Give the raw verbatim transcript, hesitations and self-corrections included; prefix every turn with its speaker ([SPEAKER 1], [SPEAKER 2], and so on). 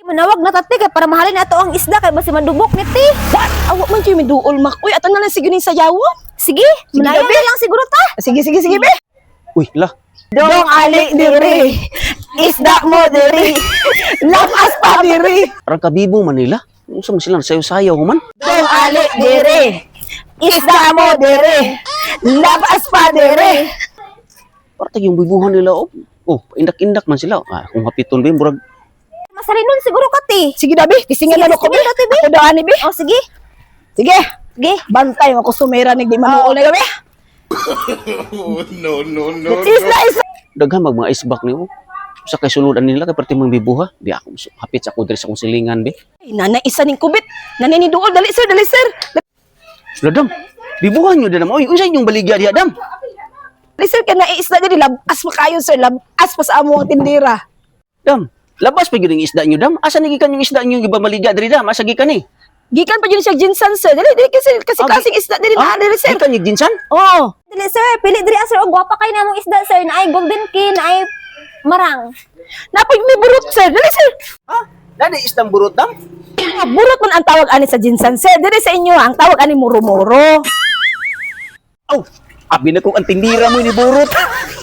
[SPEAKER 1] Manawag na tati kay para mahalin nato ang isda kay basi madubok ni ti.
[SPEAKER 2] Awak man kayo may duol, mak. Uy, ato na lang sige ni sayaw.
[SPEAKER 1] Sige, manayo na lang siguro ta.
[SPEAKER 2] Sige, sige, sige, be.
[SPEAKER 3] Uy, la.
[SPEAKER 2] Dong ali diri. Isda mo diri. Lakas pa diri.
[SPEAKER 3] Parang kabibo Manila. Unsa man sila sayo-sayaw human?
[SPEAKER 2] Dong ali diri. Isda mo diri. Lakas pa diri.
[SPEAKER 3] Parang yung bibuhan nila oh. Oh, indak-indak man sila. Ah, kung hapiton ba yung burag.
[SPEAKER 1] Masalinon siguro ka ti.
[SPEAKER 2] Sige na, be. Kisingan na ko, be. Ako daan ni, be.
[SPEAKER 1] Oh sige.
[SPEAKER 2] Sige.
[SPEAKER 1] Sige.
[SPEAKER 2] Bantay mo ko sumera ni di manuol na gabi.
[SPEAKER 4] no, no, no.
[SPEAKER 2] Isda, isda.
[SPEAKER 3] Daghan mag mga isbak niyo. Sa kay suludan nila kay perti mang bibuha. Di ako hapit sa kudre sa kong silingan be.
[SPEAKER 2] Ay, nanay isa ning kubit. Nanay ni duol. Dali, sir. Dali, sir.
[SPEAKER 3] Ladam. Bibuhan niyo dam. Oy, unsa inyong baligya diha dam?
[SPEAKER 2] Dali, sir. Kaya naisda diri. Labas pa kayo, sir. Labas pa sa amo ang tindira.
[SPEAKER 3] Dam. Labas pa gyud ang isda niyo dam. Asa nagikan yung isda niyo giba maligya diri dam? Asa gikan ni?
[SPEAKER 2] Gikan pa yun siya ginsan, sir. Dali, dali, kasi, kasi
[SPEAKER 3] Ah,
[SPEAKER 2] kasing isda diri na, dali, sir.
[SPEAKER 3] Gikan yung ginsan?
[SPEAKER 2] Oo.
[SPEAKER 1] Dili sir, pili diri ah, sir og gwapa kay namong isda sir na ay golden kin, na ay marang.
[SPEAKER 2] Napoy may burot, sir. Dali, sir.
[SPEAKER 3] Ha? Dali isdang burot dam?
[SPEAKER 2] Ah, burot man ang tawag ani sa ginsan, sir. Dali sa inyo, ang tawag ani muro-muro.
[SPEAKER 3] Oh, abi na kong ang tindira mo ni burot.